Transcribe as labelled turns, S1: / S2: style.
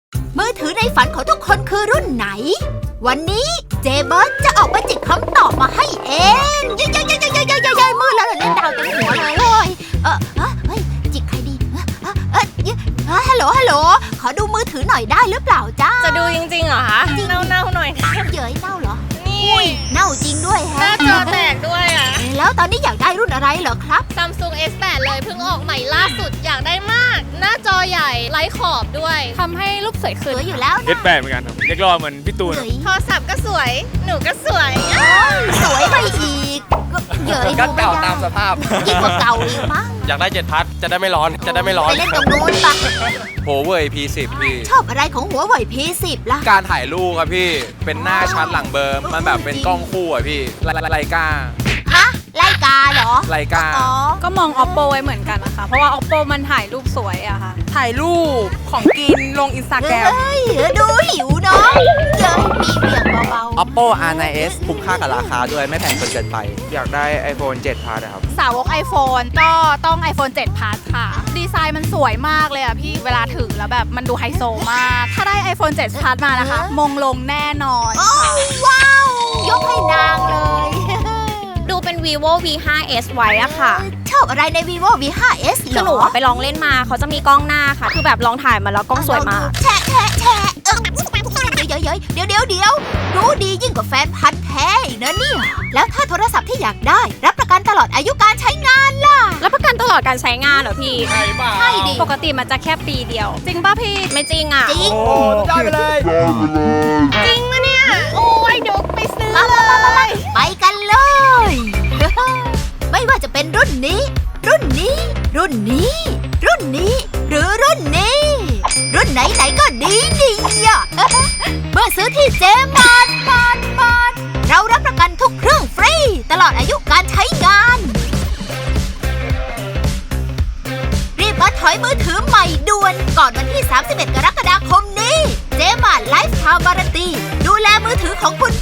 S1: มือถือในฝันของทุกคนคือรุ่นไหนวันนี้เจเบิร์ดจะออกมาจิกคำตอบมาให้เองเย้มือแล้วเล่นดาวเต็มหัวเลยเฮ้ยจิกใครดีฮัลโหลขอดูมือถือหน่อยได้หรือเปล่าจ้า
S2: จะดูจริงๆเหรอคะเน่าหน่อย
S1: เย้ยเน่าเหรอ
S2: นี่
S1: เน่าจริงด้วย
S2: หน้าจอแตกด้วยอ่ะ
S1: แล้วตอนนี้อยากได้รุ่นอะไรเหรอครับ
S2: Samsung S8 เลยเพิ่งออกใหม่ล่าสุดอยากได้มากหน้าจอใหญ่ไร้ขอบด้วยทำให้รูปสวยขึ้น
S1: อยู่แล้ว
S3: S8 เหมือนกันเรียกรอเหมือนพี่ตูน
S2: โทรศัพท์ก็สวยหนูก็สวย
S1: สวยไปอีกเย้ย
S4: ก็เก่าตามสภาพ
S1: ยิ่งกว่าเก่าอีกมั้ง
S4: อยากได้7 พัทจะได้ไม่ร้อน
S1: ไปเล่นตรงนู้นปะ
S4: หัวเว่ย P10 พี่
S1: ชอบอะไรของหัวเว่ย P10 ล่ะ
S4: การถ่ายรูปครับพี่เป็นหน้าชัดหลังเบอร์มันแบบเป็นกล้องคู่อ่ะพี่ไลกา
S1: ฮะไลกาเหรอ
S4: ไลกา
S5: ก็มอง Oppo ไว้เหมือนกันนะคะเพราะว่า Oppo มันถ่ายรูปสวยอะค่ะถ่ายรูปของกินลง Instagram
S1: เฮ้ยดูหิวเนาะเย้ยมีเบี่ยงเบา
S4: ๆ Oppo R9s คุ้มค่ากับราคาด้วยไม่แพงเกินไปอยากได้ iPhone 7 Plus นะครับ
S5: สาวก iPhone ก็ต้อง iPhone 7 Plus ค่ะดีไซน์มันสวยมากเลยอะพี่เวลาถือแล้วแบบมันดูไฮโซมากถ้าได้ iPhone 7 Plus มานะคะมงลงแน่นอน
S1: ว้าวยกให้นางเลย
S2: ดูเป็น vivo V5s ไว้อะค่ะ
S1: ชอบอะไรใน vivo V5s
S2: คือหนูไปลองเล่นมาเขาจะมีกล้องหน้าค่ะคือแบบลองถ่ายมาแล้วกล้องสวยมาก
S1: แชะเดี๋ยวรู้ดียิ่งกว่าแฟนพันธุ์แท้อีกนะเนี่ยแล้วถ้าโทรศัพท์ที่อยากได้รับประกันตลอดอายุการใช้งานล่ะ
S2: รับประกันตลอดการใช้งานเหรอพี่
S1: ใช่ดิ
S5: ปกติมันจะแค่ปีเดียวจริงป่ะพี่
S2: ไม่จริงอ่ะ
S1: จริง
S4: ได้ไปเลย
S2: จริงนะเนี่ยโอ้ยเดี๋ยวไปซื้อ
S1: เลยไปกันเลยไม่ว่าจะเป็นรุ่นนี้หรือรุ่นนี้หรือรุ่นไหนก็ดีอ่ะเมื่อซื้อที่เจมานเรารับประกันทุกเครื่องฟรีตลอดอายุการใช้งานรีบมาถอยมือถือใหม่ด่วนก่อนวันที่31 กรกฎาคมนี้เจมานไลฟ์ไทม์วารันตีดูแลมือถือของคุณ